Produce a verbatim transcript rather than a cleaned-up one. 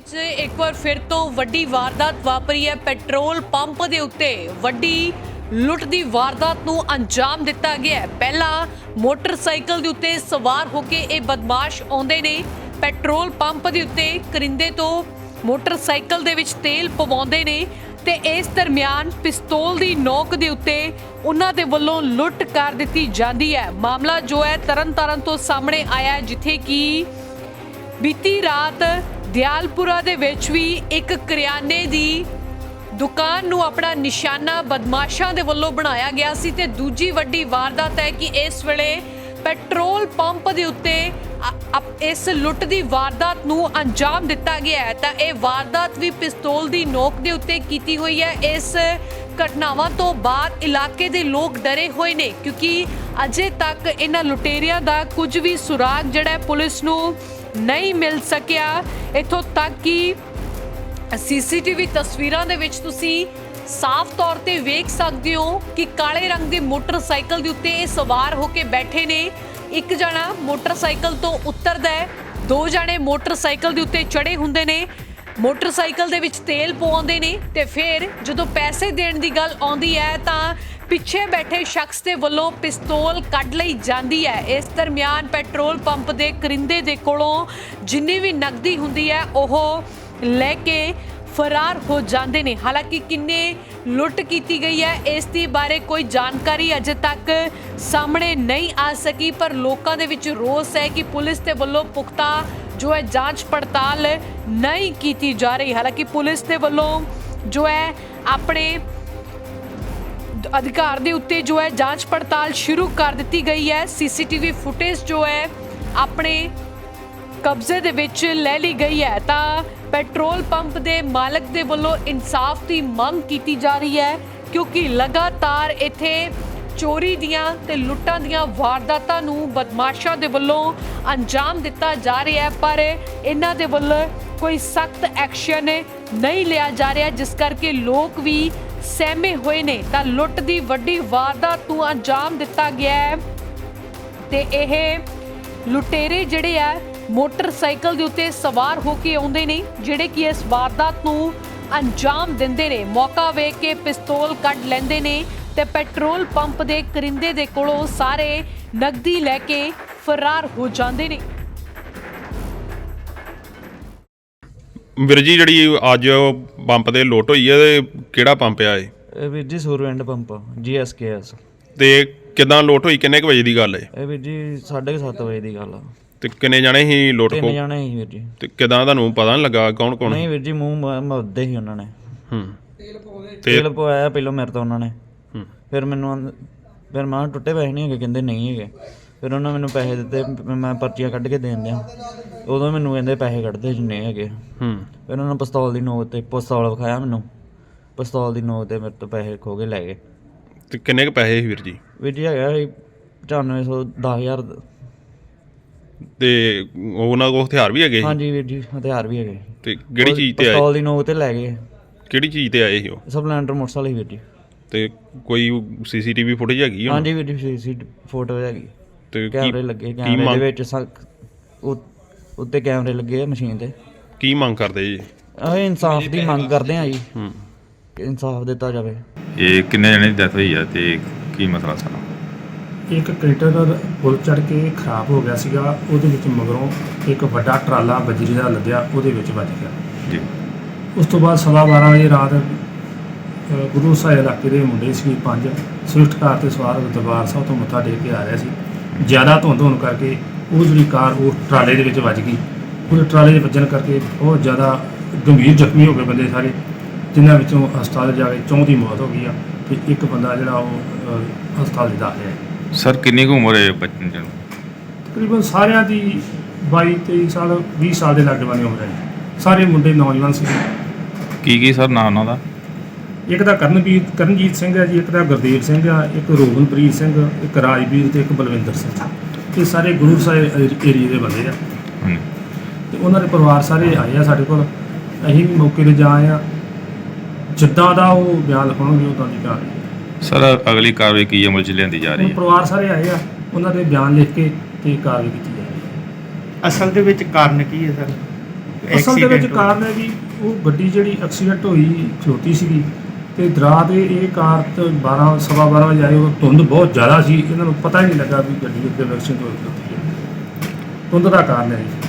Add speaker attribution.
Speaker 1: ਵਿੱਚ ਇੱਕ ਵਾਰ ਫਿਰ ਤੋਂ ਵੱਡੀ ਵਾਰਦਾਤ ਵਾਪਰੀ ਹੈ। ਪੈਟਰੋਲ ਪੰਪ ਦੇ ਉੱਤੇ ਵੱਡੀ ਲੁੱਟ ਦੀ ਵਾਰਦਾਤ ਨੂੰ ਅੰਜਾਮ ਦਿੱਤਾ ਗਿਆ ਹੈ। ਪਹਿਲਾਂ ਮੋਟਰਸਾਈਕਲ ਦੇ ਉੱਤੇ ਸਵਾਰ ਹੋ ਕੇ ਇਹ ਬਦਮਾਸ਼ ਆਉਂਦੇ ਨੇ, ਪੈਟਰੋਲ ਪੰਪ ਦੇ ਉੱਤੇ ਕਰਿੰਦੇ ਤੋਂ ਮੋਟਰਸਾਈਕਲ ਦੇ ਵਿੱਚ ਤੇਲ ਪਵਾਉਂਦੇ ਨੇ ਤੇ ਇਸ ਦਰਮਿਆਨ ਪਿਸਤੌਲ ਦੀ ਨੋਕ ਦੇ ਉੱਤੇ ਉਹਨਾਂ ਦੇ ਵੱਲੋਂ ਲੁੱਟ ਕਰ ਦਿੱਤੀ ਜਾਂਦੀ ਹੈ। ਮਾਮਲਾ ਜੋ ਹੈ ਤਰਨਤਾਰਨ ਤੋਂ ਸਾਹਮਣੇ ਆਇਆ ਹੈ, ਜਿੱਥੇ ਕਿ ਬੀਤੀ ਰਾਤ ਦਿਆਲਪੁਰਾ ਦੇ ਵਿੱਚ ਵੀ ਇੱਕ ਕਰਿਆਨੇ ਦੀ ਦੁਕਾਨ ਨੂੰ ਆਪਣਾ ਨਿਸ਼ਾਨਾ ਬਦਮਾਸ਼ਾਂ ਦੇ ਵੱਲੋਂ ਬਣਾਇਆ ਗਿਆ ਸੀ ਤੇ ਦੂਜੀ ਵੱਡੀ ਵਾਰਦਾਤ ਹੈ ਕਿ ਇਸ ਵੇਲੇ ਪੈਟਰੋਲ ਪੰਪ ਦੇ ਉੱਤੇ ਇਸ ਲੁੱਟ ਦੀ ਵਾਰਦਾਤ ਨੂੰ ਅੰਜਾਮ ਦਿੱਤਾ ਗਿਆ ਹੈ। ਤਾਂ ਇਹ ਵਾਰਦਾਤ ਵੀ ਪਿਸਤੌਲ ਦੀ ਨੋਕ ਦੇ ਉੱਤੇ ਕੀਤੀ ਹੋਈ ਹੈ। ਇਸ ਘਟਨਾਵਾਂ ਤੋਂ ਬਾਅਦ ਇਲਾਕੇ ਦੇ ਲੋਕ ਡਰੇ ਹੋਏ ਨੇ, ਕਿਉਂਕਿ ਅਜੇ ਤੱਕ ਇਹਨਾਂ ਲੁਟੇਰਿਆਂ ਦਾ ਕੁਝ ਵੀ ਸੁਰਾਗ ਜਿਹੜਾ ਪੁਲਿਸ ਨੂੰ ਨਹੀਂ ਮਿਲ ਸਕਿਆ। ਇੱਥੋਂ ਤੱਕ ਕਿ ਸੀਸੀਟੀਵੀ ਤਸਵੀਰਾਂ ਦੇ ਵਿੱਚ ਤੁਸੀਂ ਸਾਫ਼ ਤੌਰ ਤੇ ਵੇਖ ਸਕਦੇ ਹੋ ਕਿ ਕਾਲੇ ਰੰਗ ਦੇ ਮੋਟਰਸਾਈਕਲ ਦੇ ਉੱਤੇ ਇਹ ਸਵਾਰ ਹੋ ਕੇ ਬੈਠੇ ਨੇ। ਇੱਕ ਜਣਾ ਮੋਟਰਸਾਈਕਲ ਤੋਂ ਉਤਰਦਾ ਹੈ, ਦੋ ਜਣੇ ਮੋਟਰਸਾਈਕਲ ਦੇ ਉੱਤੇ ਚੜੇ ਹੁੰਦੇ ਨੇ, ਮੋਟਰਸਾਈਕਲ ਦੇ ਵਿੱਚ ਤੇਲ ਪਵਾਉਂਦੇ ਨੇ ਤੇ ਫਿਰ ਜਦੋਂ ਪੈਸੇ ਦੇਣ ਦੀ ਗੱਲ ਆਉਂਦੀ ਹੈ ਤਾਂ ਪਿੱਛੇ ਬੈਠੇ ਸ਼ਖਸ ਦੇ ਵੱਲੋਂ ਪਿਸਤੌਲ ਕੱਢ ਲਈ ਜਾਂਦੀ ਹੈ। ਇਸ ਦਰਮਿਆਨ ਪੈਟਰੋਲ ਪੰਪ ਦੇ ਕਰਿੰਦੇ ਦੇ ਕੋਲੋਂ ਜਿੰਨੀ ਵੀ ਨਕਦੀ ਹੁੰਦੀ ਹੈ ਉਹ ਲੈ ਕੇ ਫਰਾਰ ਹੋ ਜਾਂਦੇ ਨੇ। ਹਾਲਾਂਕਿ ਕਿੰਨੇ ਲੁੱਟ ਕੀਤੀ ਗਈ ਹੈ ਇਸ ਦੀ ਬਾਰੇ ਕੋਈ ਜਾਣਕਾਰੀ ਅਜੇ ਤੱਕ ਸਾਹਮਣੇ ਨਹੀਂ ਆ ਸਕੀ, ਪਰ ਲੋਕਾਂ ਦੇ ਵਿੱਚ ਰੋਸ ਹੈ ਕਿ ਪੁਲਿਸ ਦੇ ਵੱਲੋਂ ਪੁਖਤਾ ਜੋ ਹੈ ਜਾਂਚ ਪੜਤਾਲ ਨਹੀਂ ਕੀਤੀ ਜਾ ਰਹੀ। ਹਾਲਾਂਕਿ ਪੁਲਿਸ ਦੇ ਵੱਲੋਂ ਜੋ ਹੈ ਆਪਣੇ ਅਧਿਕਾਰ ਦੇ ਉੱਤੇ ਜੋ ਹੈ ਜਾਂਚ ਪੜਤਾਲ ਸ਼ੁਰੂ ਕਰ ਦਿੱਤੀ ਗਈ ਹੈ। ਸੀਸੀਟੀਵੀ ਫੁਟੇਜ ਜੋ ਹੈ ਆਪਣੇ ਕਬਜ਼ੇ ਦੇ ਵਿੱਚ ਲੈ ਲਈ ਗਈ ਹੈ। ਤਾਂ ਪੈਟਰੋਲ ਪੰਪ ਦੇ ਮਾਲਕ ਦੇ ਵੱਲੋਂ ਇਨਸਾਫ ਦੀ ਮੰਗ ਕੀਤੀ ਜਾ ਰਹੀ ਹੈ, ਕਿਉਂਕਿ ਲਗਾਤਾਰ ਇੱਥੇ ਚੋਰੀ ਦੀਆਂ ਤੇ ਲੁੱਟਾਂ ਦੀਆਂ ਵਾਰਦਾਤਾਂ ਨੂੰ ਬਦਮਾਸ਼ਾਂ ਦੇ ਵੱਲੋਂ ਅੰਜਾਮ ਦਿੱਤਾ ਜਾ ਰਿਹਾ ਹੈ, ਪਰ ਇਹਨਾਂ ਦੇ ਵੱਲੋਂ ਕੋਈ ਸਖਤ ਐਕਸ਼ਨ ਨਹੀਂ ਲਿਆ ਜਾ ਰਿਹਾ, ਜਿਸ ਕਰਕੇ ਲੋਕ ਵੀ ਸਹਿਮੇ ਹੋਏ ਨੇ। ਤਾਂ ਲੁੱਟ ਦੀ ਵੱਡੀ ਵਾਰਦਾਤ ਨੂੰ ਅੰਜਾਮ ਦਿੱਤਾ ਗਿਆ ਹੈ ਤੇ ਇਹ ਲੁਟੇਰੇ ਜਿਹੜੇ ਆ ਮੋਟਰਸਾਈਕਲ ਦੇ ਉੱਤੇ ਸਵਾਰ ਹੋ ਕੇ ਆਉਂਦੇ ਨੇ, ਜਿਹੜੇ ਕਿ ਇਸ ਵਾਰਦਾਤ ਨੂੰ ਅੰਜਾਮ ਦਿੰਦੇ ਨੇ। ਮੌਕਾ ਵੇਖ ਕੇ ਪਿਸਤੌਲ ਕੱਢ ਲੈਂਦੇ ਨੇ ਤੇ ਪੈਟਰੋਲ ਪੰਪ ਦੇ ਕਰਿੰਦੇ ਦੇ ਕੋਲੋਂ ਸਾਰੇ ਨਕਦੀ ਲੈ ਕੇ ਫਰਾਰ ਹੋ ਜਾਂਦੇ ਨੇ।
Speaker 2: ਵੀਰ ਜੀ, ਜਿਹੜੀ ਅੱਜ ਪੰਪ ਦੇ ਲੁੱਟ ਹੋਈ ਹੈ ਇਹ ਕਿਹੜਾ ਪੰਪ ਆ?
Speaker 3: ਇਹ ਵੀਰ ਜੀ Surwind pump G S K S.
Speaker 2: ਤੇ ਕਿਦਾਂ ਲੁੱਟ ਹੋਈ? ਕਿੰਨੇ ਕੁ ਵਜੇ ਦੀ ਗੱਲ ਹੈ?
Speaker 3: ਇਹ ਵੀਰ ਜੀ ਸਾਢੇ ਸੱਤ ਵਜੇ ਦੀ ਗੱਲ ਆ।
Speaker 2: ਤੇ ਕਿੰਨੇ ਜਾਣੇ ਸੀ ਲੁੱਟ
Speaker 3: ਤਿੰਨ
Speaker 2: ਕੋ?
Speaker 3: ਜਾਣੇ ਸੀ ਵੀਰ ਜੀ।
Speaker 2: ਤੇ ਕਿਦਾਂ ਤੁਹਾਨੂੰ ਪਤਾ ਨਹੀਂ ਲੱਗਾ ਕੌਣ ਕੌਣ?
Speaker 3: ਨਹੀਂ ਵੀਰ ਜੀ, ਮੂੰਹ ਮੱਦੇ ਸੀ ਉਹਨਾਂ ਨੇ।
Speaker 2: ਹੂੰ।
Speaker 3: ਤੇਲ ਪਵਾਇਆ ਪਹਿਲਾਂ ਮੇਰੇ ਤੋਂ ਉਹਨਾਂ ਨੇ।
Speaker 2: ਹੂੰ।
Speaker 3: ਫਿਰ ਮੈਨੂੰ ਫਿਰ ਮੈਂ ਟੁੱਟੇ ਪੈਸੇ ਨਹੀਂ ਹੈਗੇ, ਕਹਿੰਦੇ ਨਹੀਂ ਹੈਗੇ। ਫਿਰ ਉਹਨਾਂ ਮੈਨੂੰ ਪੈਸੇ ਦਿੱਤੇ, ਮੈਂ ਪਰਚੀਆਂ ਕੱਢ ਕੇ ਦੇਣ ਦਿਆਂ। ਉਦੋਂ ਮੈਨੂੰ ਕਹਿੰਦੇ ਪੈਸੇ ਕੱਢਦੇ ਜਿੰਨੇ ਹੈਗੇ।
Speaker 2: ਹੂੰ।
Speaker 3: ਫਿਰ ਉਹਨਾਂ ਨੇ ਪਿਸਤੌਲ ਦੀ ਨੋਕ ਤੇ ਪਿਸਤੌਲ ਵਿਖਾਇਆ ਮੈਨੂੰ, ਪਿਸਤੌਲ ਦੀ ਨੋਕ ਤੇ ਮੇਰੇ ਤੋਂ ਪੈਸੇ ਖੋ ਕੇ ਲੈ ਗਏ।
Speaker 2: ਤੇ ਕਿੰਨੇ ਕੁ ਪੈਸੇ ਸੀ ਵੀਰ ਜੀ?
Speaker 3: ਵੀਰ ਜੀ ਹੈਗਾ ਸੀ ਪਚਾਨਵੇਂ ਸੌ ਦਸ ਹਜ਼ਾਰ।
Speaker 2: ਤੇ ਉਹਨਾਂ ਕੋਲ ਹਥਿਆਰ ਵੀ ਹੈਗੇ?
Speaker 3: ਹਾਂਜੀ ਵੀਰ ਜੀ, ਹਥਿਆਰ ਵੀ ਹੈਗੇ।
Speaker 2: ਤੇ ਕਿਹੜੀ ਚੀਜ਼ ਤੇ ਆਏ?
Speaker 3: ਪਿਸਤੌਲ ਦੀ ਨੋਕ ਤੇ ਲੈ ਗਏ।
Speaker 2: ਕਿਹੜੀ ਚੀਜ਼ ਤੇ ਆਏ ਸੀ ਉਹ?
Speaker 3: ਸਪਲੈਂਡਰ ਮੋਟਰਸਾਈਕਲ ਹੀ ਵੀਰ ਜੀ।
Speaker 2: ਤੇ ਕੋਈ ਸੀਸੀਟੀਵੀ ਫੁਟੇਜ ਹੈਗੀ?
Speaker 3: ਹਾਂਜੀ ਵੀਰ ਜੀ, ਸੀ ਫੋਟੋ ਹੈਗੀ।
Speaker 2: ਤੇ
Speaker 3: ਕੈਮਰੇ ਲੱਗੇ, ਕੈਮਰੇ ਦੇ ਵਿੱਚ ਉੱਤੇ ਕੈਮਰੇ ਲੱਗੇ ਆ ਮਸ਼ੀਨ ਤੇ।
Speaker 2: ਕੀ ਮੰਗ ਕਰਦੇ ਜੀ?
Speaker 3: ਅਸੀਂ ਇਨਸਾਫ ਦੀ ਮੰਗ ਕਰਦੇ ਹਾਂ ਜੀ,
Speaker 2: ਹੂੰ,
Speaker 3: ਕਿ ਇਨਸਾਫ ਦਿੱਤਾ ਜਾਵੇ।
Speaker 4: ਇਹ ਕਿੰਨੇ ਜਣੇ ਦੀ ਡੈਥ ਹੋਈ ਆ ਤੇ ਕੀ ਮਸਲਾ ਸਾਰਾ?
Speaker 5: ਇੱਕ ਕ੍ਰੇਟਰ ਪੁਲ ਚੜ੍ਹ ਕੇ ਖਰਾਬ ਹੋ ਗਿਆ ਸੀਗਾ, ਉਹਦੇ ਵਿੱਚ ਮਗਰੋਂ ਇੱਕ ਵੱਡਾ ਟਰਾਲਾ ਬਜਰੀ ਦਾ ਲੱਦਿਆ, ਉਹਦੇ ਵਿੱਚ ਵੱਜ ਗਿਆ
Speaker 4: ਜੀ।
Speaker 5: ਉਸ ਤੋਂ ਬਾਅਦ ਸਵਾ ਬਾਰਾਂ ਵਜੇ ਰਾਤ ਗੁਰੂ ਸਾਹਿਬ ਇਲਾਕੇ ਦੇ ਮੁੰਡੇ ਸੀ ਪੰਜ, ਸਵਿਫਟ ਕਾਰ 'ਤੇ ਸਵਾਰ ਦਰਬਾਰ ਸਾਹਿਬ ਤੋਂ ਮੱਥਾ ਟੇਕ ਕੇ ਆ ਰਿਹਾ ਸੀ। ਜ਼ਿਆਦਾ ਧੁੰਦ ਹੋਣ ਕਰਕੇ ਉਹ ਜਿਹੜੀ ਕਾਰ ਉਹ ਟਰਾਲੇ ਦੇ ਵਿੱਚ ਵੱਜ ਗਈ। ਉਹਦੇ ਟਰਾਲੇ ਦੇ ਵੱਜਣ ਕਰਕੇ ਬਹੁਤ ਜ਼ਿਆਦਾ ਗੰਭੀਰ ਜ਼ਖਮੀ ਹੋ ਗਏ ਬੰਦੇ ਸਾਰੇ, ਜਿਨ੍ਹਾਂ ਵਿੱਚੋਂ ਹਸਪਤਾਲ ਜਾ ਕੇ ਚੌਂ ਦੀ ਮੌਤ ਹੋ ਗਈ ਆ ਤੇ ਇੱਕ ਬੰਦਾ ਜਿਹੜਾ ਉਹ ਹਸਪਤਾਲ 'ਚ ਦਾਖਲ ਹੈ।
Speaker 4: ਸਰ ਕਿੰਨੀ ਕੁ ਉਮਰ ਹੈ ਬੱਚੇ ਨੂੰ?
Speaker 5: ਤਕਰੀਬਨ ਸਾਰਿਆਂ ਦੀ ਬਾਈ ਤੇਈ ਸਾਲ ਵੀਹ ਸਾਲ ਦੇ ਲਾਗੇ ਬੰਨੇ ਉਮਰ ਹੈ। ਸਾਰੇ ਮੁੰਡੇ ਨੌਜਵਾਨ ਸੀ।
Speaker 4: ਕੀ ਕੀ ਸਰ ਨਾਂ ਉਹਨਾਂ ਦਾ?
Speaker 5: ਇੱਕ ਦਾ ਕਰਨਵੀਰ ਕਰਨਜੀਤ ਸਿੰਘ ਹੈ ਜੀ, ਇੱਕ ਦਾ ਗੁਰਦੇਵ ਸਿੰਘ ਆ, ਇੱਕ ਰੋਹਨਪ੍ਰੀਤ ਸਿੰਘ, ਇੱਕ ਰਾਜਵੀਰ ਤੇ ਇੱਕ ਬਲਵਿੰਦਰ ਸਿੰਘ। ਇਹ ਸਾਰੇ ਗੁਰੂ ਸਾਹਿਬ ਏਰੀਏ ਦੇ ਬੰਦੇ ਆ ਤੇ ਉਹਨਾਂ ਦੇ ਪਰਿਵਾਰ ਸਾਰੇ ਆਏ ਆ ਸਾਡੇ ਕੋਲ। ਅਸੀਂ ਵੀ ਮੌਕੇ 'ਤੇ ਜਾ ਆਏ ਆ। ਜਿੱਦਾਂ ਦਾ ਉਹ ਬਿਆਨ ਲਿਖਾਉਣਗੇ ਉੱਦਾਂ ਦੀ ਕਾਰਵਾਈ।
Speaker 4: ਸਰ ਅਗਲੀ ਕਾਰਵਾਈ ਕੀ ਅਮਲ 'ਚ ਲਿਆਂਦੀ ਜਾ ਰਹੀ ਹੈ?
Speaker 5: ਪਰਿਵਾਰ ਸਾਰੇ ਆਏ ਆ, ਉਹਨਾਂ ਦੇ ਬਿਆਨ ਲਿਖ ਕੇ ਤੇ ਕਾਰਵਾਈ ਕੀਤੀ ਜਾ ਰਹੀ ਹੈ।
Speaker 6: ਅਸਲ ਦੇ ਵਿੱਚ ਕਾਰਨ ਕੀ ਹੈ ਸਰ?
Speaker 5: ਅਸਲ ਦੇ ਵਿੱਚ ਕਾਰਨ ਹੈ ਜੀ ਉਹ ਗੱਡੀ ਜਿਹੜੀ ਐਕਸੀਡੈਂਟ ਹੋਈ ਖਲੋਤੀ ਸੀਗੀ ਤੇ ਦਰਾ ਦੇ ਇਹ ਕਾਰ ਤੇ ਬਾਰਾਂ ਸਵਾ ਬਾਰਾਂ ਵਜੇ ਆਏ ਉਹ ਧੁੰਦ ਬਹੁਤ ਜ਼ਿਆਦਾ ਸੀ ਇਹਨਾਂ ਨੂੰ ਪਤਾ ਹੀ ਨਹੀਂ ਲੱਗਾ ਵੀ ਗੱਡੀ ਉੱਤੇ ਐਕਸੀਡੈਂਟ ਹੋ ਖਲੋਤੀ ਹੈ ਧੁੰਦ ਦਾ ਕਾਰਨ ਹੈ ਜੀ